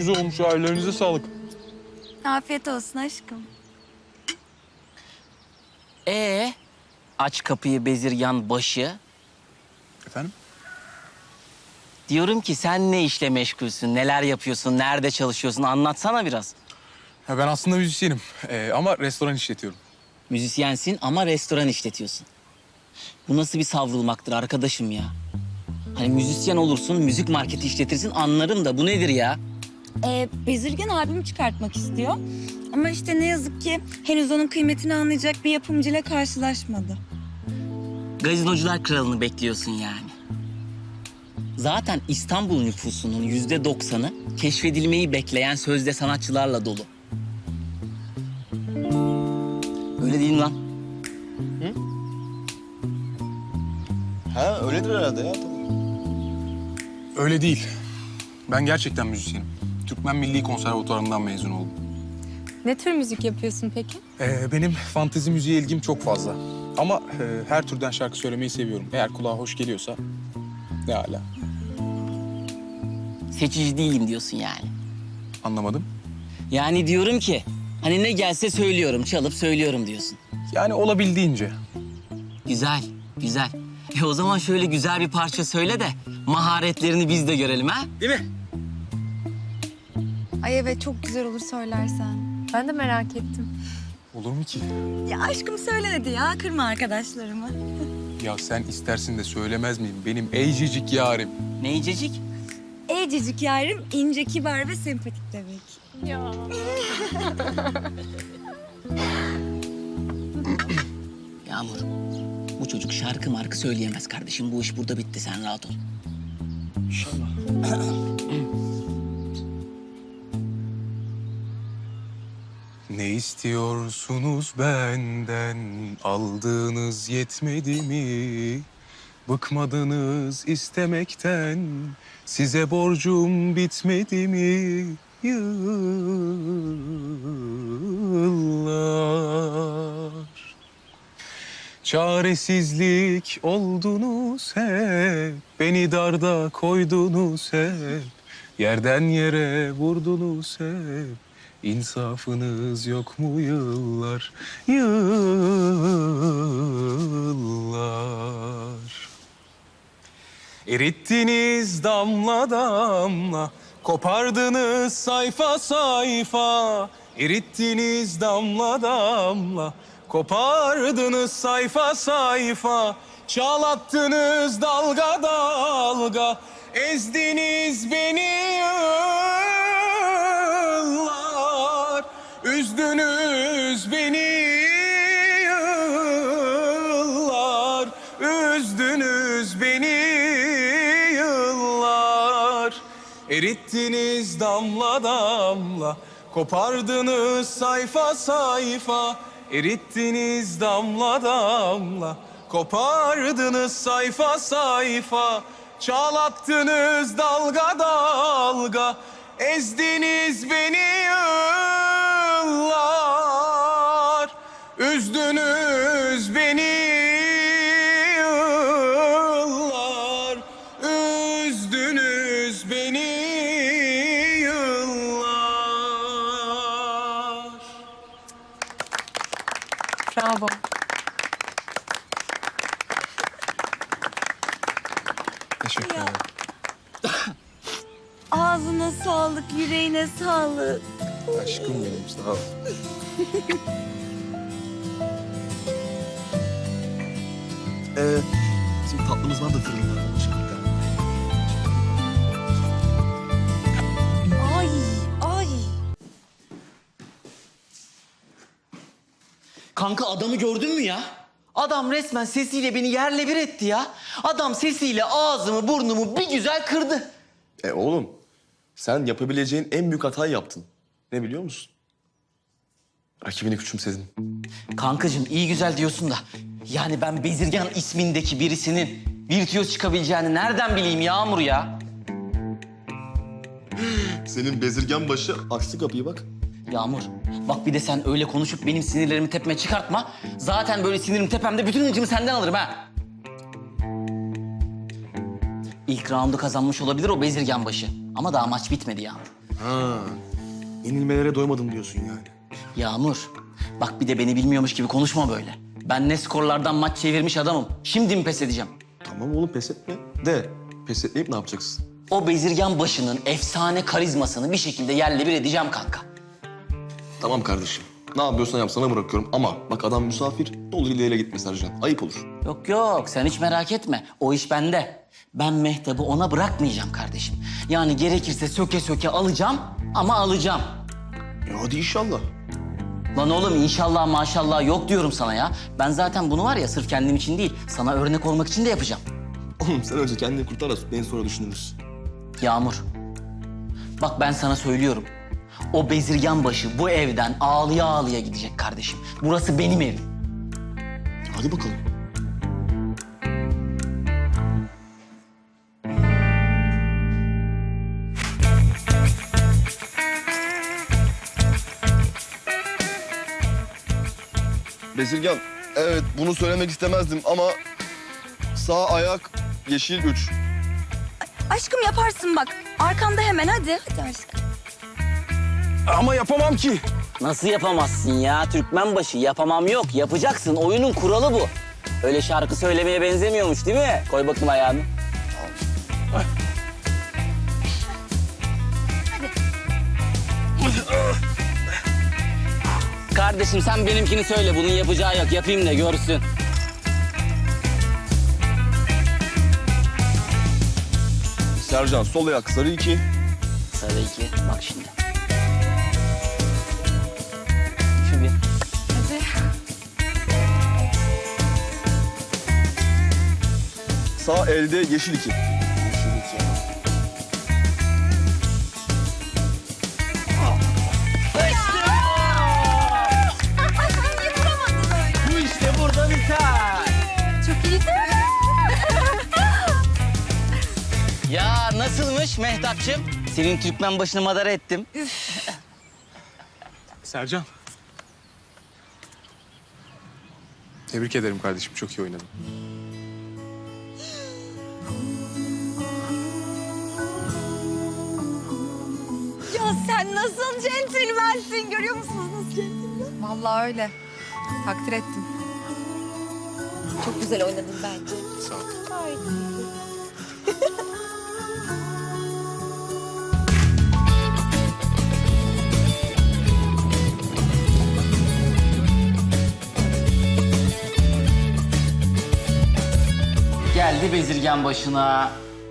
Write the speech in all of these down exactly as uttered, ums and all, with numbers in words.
güzel olmuş ya. Ellerinize sağlık. Afiyet olsun aşkım. Ee, aç kapıyı bezirgan başı. Efendim? Diyorum ki sen ne işle meşgulsün, neler yapıyorsun, nerede çalışıyorsun anlatsana biraz. Ha, ben aslında müzisyenim ee, ama restoran işletiyorum. Müzisyensin ama restoran işletiyorsun. Bu nasıl bir savrulmaktır arkadaşım ya? Hani müzisyen olursun, müzik marketi işletirsin anlarım da bu nedir ya? Ee, Bezirgen albüm çıkartmak istiyor. Ama işte ne yazık ki henüz onun kıymetini anlayacak bir yapımcıyla karşılaşmadı. Gazinocular kralını bekliyorsun yani. Zaten İstanbul nüfusunun yüzde doksanı keşfedilmeyi bekleyen sözde sanatçılarla dolu. Öyle değil mi lan? Ha öyledir herhalde ya tabii. Öyle değil. Ben gerçekten müzisyenim. Türkmen Milli Konservatuvarı'ndan mezun oldum. Ne tür müzik yapıyorsun peki? Ee, benim fantezi müziğe ilgim çok fazla. Ama e, her türden şarkı söylemeyi seviyorum. Eğer kulağa hoş geliyorsa ne hala. Seçici değilim diyorsun yani. Anlamadım. Yani diyorum ki hani ne gelse söylüyorum, çalıp söylüyorum diyorsun. Yani olabildiğince. Güzel, güzel. E o zaman şöyle güzel bir parça söyle de maharetlerini biz de görelim ha? Değil mi? Ay evet çok güzel olur söylersen. Ben de merak ettim. Olur mu ki? Ya aşkım söyle dedi ya kırma arkadaşlarımı. Ya sen istersin de söylemez miyim? Benim eycicik yarim. Neycecik? Ecicik yarim ince, kibar ve sempatik demek. Ya. Yağmur, bu çocuk şarkı markı söyleyemez kardeşim. Bu iş burada bitti, sen rahat ol. İnşallah. Ne istiyorsunuz benden? Aldığınız yetmedi mi? Bıkmadınız istemekten. Size borcum bitmedi mi? Yıllar. Çaresizlik oldunuz hep. Beni darda koydunuz hep. Yerden yere vurdunuz hep. İnsafınız yok mu yıllar, yıllar? Erittiniz damla damla, kopardınız sayfa sayfa. Erittiniz damla damla, kopardınız sayfa sayfa. Çalattınız dalga dalga, ezdiniz beni yıllar. Üzdünüz beni yıllar, üzdünüz beni yıllar. Erittiniz damla damla, kopardınız sayfa sayfa. Erittiniz damla damla, kopardınız sayfa sayfa. Çalattınız dalga dalga, ezdiniz beni yıllar. Üzdünüz beni yıllar, üzdünüz beni yıllar. Bravo. Teşekkür ederim. Ağzına sağlık, yüreğine sağlık. Aşkım benim, sağ ol. Ee, bizim tatlımız var da fırında. Onu şey yapalım. Ay, ay. Kanka adamı gördün mü ya? Adam resmen sesiyle beni yerle bir etti ya. Adam sesiyle ağzımı burnumu bir güzel kırdı. E oğlum, sen yapabileceğin en büyük hatayı yaptın. Ne biliyor musun? Rakibini küçümsedin. Kankacığım iyi güzel diyorsun da... yani ben Bezirgan ismindeki birisinin virtüöz çıkabileceğini nereden bileyim Yağmur ya? Senin bezirgen başı açtı kapıyı bak. Yağmur bak bir de sen öyle konuşup benim sinirlerimi tepeme çıkartma. Zaten böyle sinirim tepemde bütün hıncımı senden alırım ha. İlk roundu kazanmış olabilir o Bezirgan başı. Ama daha maç bitmedi Yağmur. Ha. Yenilmelere doymadım diyorsun yani. Yağmur, bak bir de beni bilmiyormuş gibi konuşma böyle. Ben ne skorlardan maç çevirmiş adamım. Şimdi mi pes edeceğim? Tamam oğlum pes etme. De pes etmeyip ne yapacaksın? O bezirgan başının efsane karizmasını bir şekilde yerle bir edeceğim kanka. Tamam kardeşim. Ne yapıyorsan yap sana bırakıyorum ama bak adam misafir. Ne olur ileriye gitme Sercan. Ayıp olur. Yok yok, sen hiç merak etme. O iş bende. Ben Mehtap'ı ona bırakmayacağım kardeşim. Yani gerekirse söke söke alacağım ama alacağım. Ya hadi inşallah. Lan oğlum inşallah maşallah yok diyorum sana ya. Ben zaten bunu var ya sırf kendim için değil, sana örnek olmak için de yapacağım. Oğlum sen önce kendini kurtar da beni sonra düşünürüz. Yağmur, bak ben sana söylüyorum. O bezirgan başı bu evden ağlıya ağlıya gidecek kardeşim. Burası benim evim. Hadi bakalım. Bezirgan, evet bunu söylemek istemezdim ama sağ ayak yeşil üç. Aşkım yaparsın bak. Arkamda hemen hadi. Hadi aşkım. Ama yapamam ki. Nasıl yapamazsın ya? Türkmen başı yapamam yok. Yapacaksın. Oyunun kuralı bu. Öyle şarkı söylemeye benzemiyormuş değil mi? Koy bakayım ayağını. Kardeşim sen benimkini söyle. Bunun yapacağı yok. Yapayım da görsün. Sercan sol ayak sarı iki. Sarı iki. Bak şimdi. Şu bir. Hadi. Sağ elde yeşil iki. Şu iki. Bu işte burada biter. Çok iyi değil mi? Ya nasılmış Mehtapçığım? Senin Türkmen başını madara ettim. Sercan. Tebrik ederim kardeşim. Çok iyi oynadın. Ya sen nasıl centilmensin görüyor musunuz nasıl centilmen? Vallahi öyle. Takdir ettim. Çok güzel oynadın bence. Sağ ol. Gayet iyi. Geldi bezirgen başına.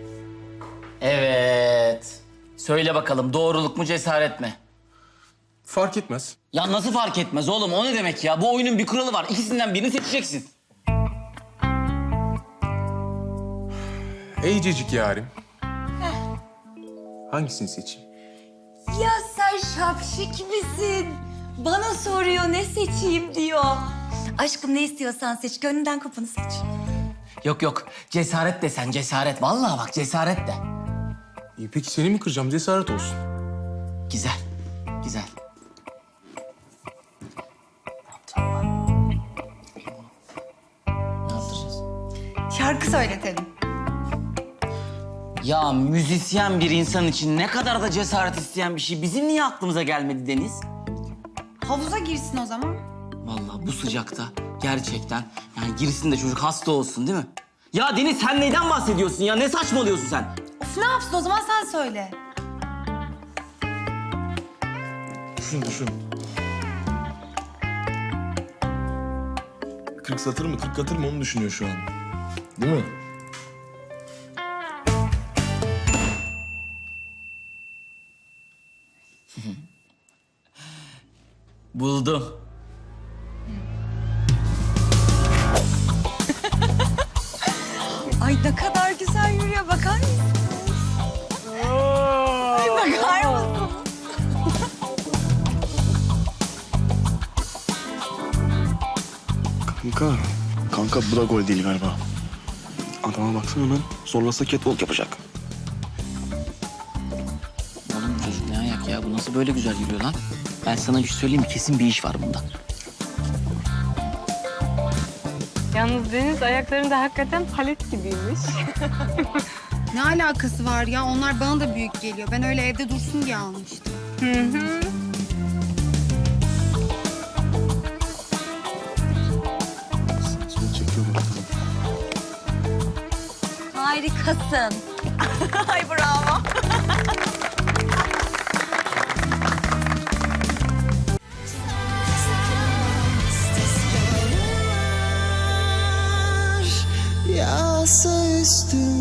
Evet. Söyle bakalım doğruluk mu cesaret mi? Fark etmez. Ya nasıl fark etmez oğlum? O ne demek ya? Bu oyunun bir kuralı var. İkisinden birini seçeceksin. Eycecik yarim. Hangisini seçeyim? Ya sen şapşik misin? Bana soruyor ne seçeyim diyor. Aşkım ne istiyorsan seç. Gönlünden kopanı seç. Yok yok. Cesaret de sen cesaret. Vallahi bak cesaret de. İyi peki seni mi kıracağım? Cesaret olsun. Güzel. Güzel. Ne yapacağız? Şarkı söyletelim. Ya müzisyen bir insan için ne kadar da cesaret isteyen bir şey. Bizim niye aklımıza gelmedi Deniz? Havuza girsin o zaman. Vallahi bu sıcakta gerçekten yani girsin de çocuk hasta olsun değil mi? Ya Deniz sen neyden bahsediyorsun ya? Ne saçmalıyorsun sen? Of ne yapsın o zaman sen söyle. Düşün düşün. kırk satır mı kırk katır mı onu düşünüyor şu an. Değil mi? Buldum. Ay ne kadar güzel yürüyor bakar mısın? Ay bakar mısın? Kanka, kanka bu da gol değil galiba. Adama baksana hemen zorlasa catwalk yapacak. Oğlum bu çocuk ne ayak ya? Bu nasıl böyle güzel yürüyor lan? Ben sana bir şey söyleyeyim mi? Kesin bir iş var bunda. Yalnız Deniz ayaklarında hakikaten palet gibiymiş. Ne alakası var ya? Onlar bana da büyük geliyor. Ben öyle evde dursun diye almıştım. Seni çekiyorum artık. Harikasın. Ay bravo. Yağsa üstüme